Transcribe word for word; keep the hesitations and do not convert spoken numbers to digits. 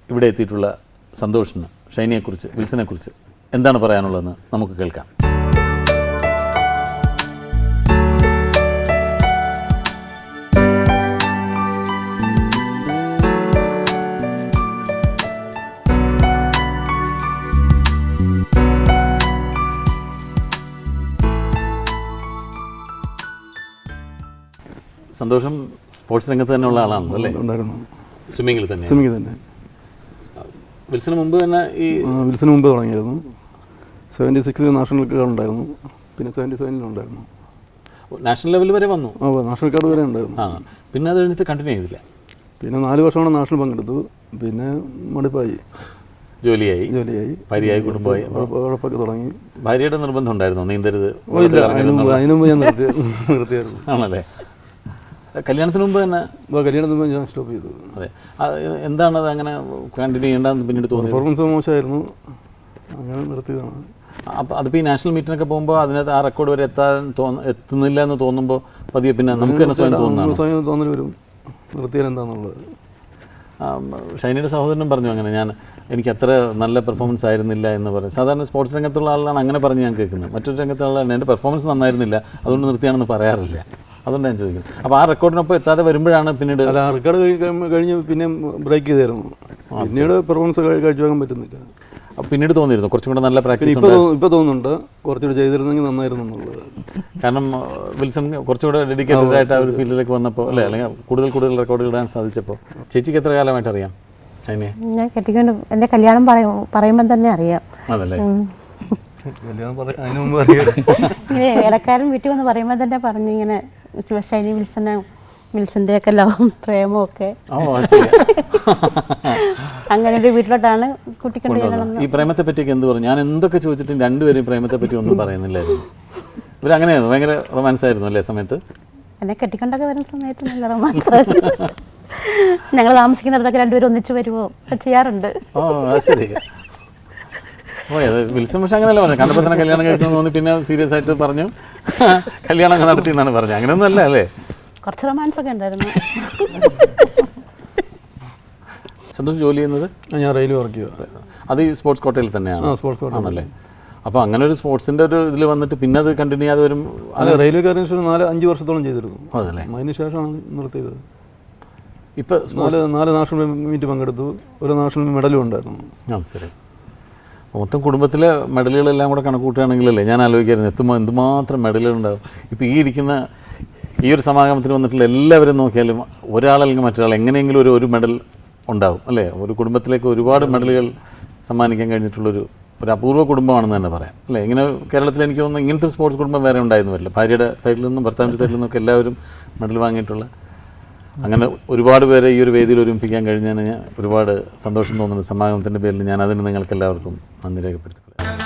ഇവിടെ എത്തിയിട്ടുള്ള സന്തോഷിന് ഷൈനിയെക്കുറിച്ച് വിൽസനെക്കുറിച്ച് എന്താണ് പറയാനുള്ളതെന്ന് നമുക്ക് കേൾക്കാം. സന്തോഷം സ്പോർട്സ് രംഗത്ത് തന്നെയുള്ള ആളാണല്ലോ അല്ലേ? ഉണ്ടായിരുന്നു. സ്വിമ്മിങ്ങിൽ തന്നെ സ്വിമ്മിങ് തന്നെ. വിൽസന് മുമ്പ് തന്നെ ഈ വിൽസന് മുമ്പ് തുടങ്ങിയിരുന്നു. സെവൻറ്റി സിക്സിൽ നാഷണൽ കാർഡ് ഉണ്ടായിരുന്നു, പിന്നെ സെവൻറ്റി സെവനിലുണ്ടായിരുന്നു. നാഷണൽ ലെവൽ വരെ വന്നു. ആ നാഷണൽ കാർഡ് വരെ ഉണ്ടായിരുന്നു. ആ പിന്നെ അത് കഴിഞ്ഞിട്ട് കണ്ടിന്യൂ ചെയ്തില്ല. പിന്നെ നാല് വർഷമാണ് നാഷണൽ പങ്കെടുത്തു. പിന്നെ മടുപ്പായി, ജോലിയായി ജോലിയായി ഭാര്യയായി കുടുംബമായി ഉഴപ്പൊക്കെ തുടങ്ങി. ഭാര്യയുടെ നിർബന്ധം ഉണ്ടായിരുന്നോ നീന്തരുത്? അതിന് മുമ്പ് ഞാൻ നിർത്തി നിർത്തിയായിരുന്നു. ആണല്ലേ? കല്യാണത്തിന് മുമ്പ് തന്നെ? കല്യാണത്തിന് മുമ്പ് ഞാൻ സ്റ്റോപ്പ് ചെയ്തു. അതെ. എന്താണത് അങ്ങനെ കണ്ടിന്യൂ ചെയ്യേണ്ടതെന്ന് പിന്നീട് തോന്നി? പെർഫോമൻസ് മോശമായിരുന്നു, അങ്ങനെ നിർത്തിയതാണ്. അപ്പോൾ അതിപ്പോൾ ഈ നാഷണൽ മീറ്റിനൊക്കെ പോകുമ്പോൾ അതിനകത്ത് ആ റെക്കോർഡ് വരെ എത്താൻ തോന്നു എത്തുന്നില്ല എന്ന് തോന്നുമ്പോൾ പതിയെ പിന്നെ നമുക്ക് തന്നെ സ്വയം തോന്നുന്നു സ്വയം തോന്നൽ വരും നിർത്തിയാൽ എന്താണെന്നുള്ളത്. ഷൈനിയുടെ സഹോദരനും പറഞ്ഞു അങ്ങനെ, ഞാൻ എനിക്ക് അത്ര നല്ല പെർഫോമൻസ് ആയിരുന്നില്ല എന്ന് പറയും. സാധാരണ സ്പോർട്സ് രംഗത്തുള്ള ആളാണ് അങ്ങനെ പറഞ്ഞ് ഞാൻ കേൾക്കുന്നത്. മറ്റൊരു രംഗത്തുള്ള ആളാണ് എൻ്റെ പെർഫോമൻസ് നന്നായിരുന്നില്ല അതുകൊണ്ട് നിർത്തിയാണെന്ന് പറയാറില്ല. അതുകൊണ്ട് ഞാൻ ചോദിക്കുന്നത്. അപ്പോൾ ആ റെക്കോർഡിനൊപ്പം എത്താതെ വരുമ്പോഴാണ് പിന്നീട് അല്ല ആ റെക്കോർഡ് കഴിഞ്ഞ് പിന്നെ ബ്രേക്ക് ചെയ്തായിരുന്നു. പിന്നീട് പെർഫോമൻസ് കഴിച്ചു വെക്കാൻ പറ്റുന്നില്ല. പിന്നീട് തോന്നിയിരുന്നു കുറച്ചും കൂടെ നല്ല പ്രാക്ടീസ് ഇപ്പോൾ ഇപ്പോൾ തോന്നുന്നുണ്ട് കുറച്ചുകൂടെ ചെയ്തിരുന്നെങ്കിൽ നന്നായിരുന്നു എന്നുള്ളത്. കാരണം വിൽസൺ കുറച്ചുകൂടെ ഡെഡിക്കേറ്റഡ് ആയിട്ട് ആ ഒരു ഫീൽഡിലേക്ക് വന്നപ്പോൾ അല്ലേ, അല്ലെങ്കിൽ കൂടുതൽ കൂടുതൽ റെക്കോർഡ് ഇടാൻ സാധിച്ചപ്പോൾ. ചേച്ചിക്ക് എത്ര കാലമായിട്ട് അറിയാം ഷൈനിയെ? ഞാൻ കെട്ടിക്കൊണ്ട് എൻ്റെ കല്യാണം പറയും പറയുമ്പം തന്നെ അറിയാം. അതല്ലേ? ഇങ്ങനെ ഇടക്കാരൻ വീട്ടിൽ വന്ന് പറയുമ്പോൾ തന്നെ പറഞ്ഞു ഇങ്ങനെ ഷൈനി വിൽസനെ വിൽസൻ്റെ ഒക്കെ ലവും പ്രേമവും ഒക്കെ അങ്ങനെ ഒരു വീട്ടിലോട്ടാണ് കുട്ടിക്കൊണ്ട്. ഈ പ്രേമത്തെ പറ്റിയൊക്കെ എന്ത് പറഞ്ഞു? ഞാൻ എന്തൊക്കെ ചോദിച്ചിട്ടും രണ്ടുപേരും പ്രേമത്തെ പറ്റി ഒന്നും പറയുന്നില്ലായിരുന്നു. ഇവരങ്ങനെയായിരുന്നു, ഭയങ്കര റൊമാൻസ് ആയിരുന്നു അല്ലേ സമയത്ത്? എന്നെ കെട്ടിക്കൊണ്ടൊക്കെ വരുന്ന സമയത്ത് നല്ല റൊമാൻസ് ആയിരുന്നു. ഞങ്ങൾ താമസിക്കുന്നിടത്തൊക്കെ രണ്ടുപേരും ഒന്നിച്ച് വരുമോ ചെയ്യാറുണ്ട്. ഓ അത് ശരി. ഓ അത് വിൽസൺ പക്ഷെ അങ്ങനെയല്ല പറഞ്ഞു, കണ്ടപ്പോൾ തന്നെ കല്യാണം കഴിക്കണമെന്ന് തോന്നി, പിന്നെ സീരിയസ് ആയിട്ട് പറഞ്ഞു കല്യാണം ഒക്കെ നടത്തി എന്നാണ് പറഞ്ഞത്. അങ്ങനെയൊന്നും അല്ല അല്ലേ? കുറച്ച് റൊമാൻസ് ഒക്കെ ഉണ്ടായിരുന്നു. സന്തോഷം ജോലി ചെയ്യുന്നത്? ഞാൻ റെയിൽവേ വർക്ക് ചെയ്യുക. അത് ഈ സ്പോർട്സ് കോട്ടയിൽ തന്നെയാണ്? സ്പോർട്സ് കോട്ട ആണല്ലേ? അപ്പോൾ അങ്ങനെ ഒരു സ്പോർട്സിൻ്റെ ഒരു ഇതിൽ വന്നിട്ട് പിന്നെ അത് കണ്ടിന്യൂ ചെയ്യാതെ വരും. അല്ല റെയിൽവേ കാര്യം നാല് അഞ്ച് വർഷത്തോളം ചെയ്തിരുന്നു. അതല്ലേ? അതിന് ശേഷമാണ് നിർത്തിയത്. ഇപ്പോൾ നാല് നാല് നാഷണൽ മീറ്റ് പങ്കെടുത്തു, ഒരു നാഷണൽ മെഡലും ഉണ്ടായിരുന്നു. ആ ശരി. മൊത്തം കുടുംബത്തിലെ മെഡലുകളെല്ലാം കൂടെ കണക്ക് കൂട്ടുകയാണെങ്കിലല്ലേ ഞാൻ ആലോചിക്കായിരുന്നു എത്തുമ്പോൾ എന്തുമാത്രം മെഡലുകളുണ്ടാകും. ഇപ്പോൾ ഈ ഇരിക്കുന്ന ഈ ഒരു സമാഗമത്തിന് വന്നിട്ടുള്ള എല്ലാവരും നോക്കിയാലും ഒരാളല്ലെങ്കിൽ മറ്റൊരാൾ എങ്ങനെയെങ്കിലും ഒരു ഒരു മെഡൽ ഉണ്ടാവും അല്ലേ? ഒരു കുടുംബത്തിലേക്ക് ഒരുപാട് മെഡലുകൾ സമ്മാനിക്കാൻ കഴിഞ്ഞിട്ടുള്ളൊരു ഒരു അപൂർവ കുടുംബമാണെന്ന് തന്നെ പറയാം അല്ലേ? ഇങ്ങനെ കേരളത്തിൽ എനിക്ക് തോന്നുന്നു ഇങ്ങനത്തെ ഒരു സ്പോർട്സ് കുടുംബം വേറെ ഉണ്ടായിരുന്നു വരില്ല. ഭാര്യയുടെ സൈഡിൽ നിന്നും ഭർത്താവിൻ്റെ സൈഡിൽ നിന്നൊക്കെ എല്ലാവരും മെഡൽ വാങ്ങിയിട്ടുള്ള അങ്ങനെ ഒരുപാട് പേരെ ഈ ഒരു വേദിയിൽ ഒരുമിപ്പിക്കാൻ കഴിഞ്ഞതിന് ഒരുപാട് സന്തോഷം തോന്നുന്നു. സമാഗമത്തിൻ്റെ പേരിൽ ഞാൻ അതിന് നിങ്ങൾക്ക് എല്ലാവർക്കും നന്ദി രേഖപ്പെടുത്തിക്കൊള്ളാം.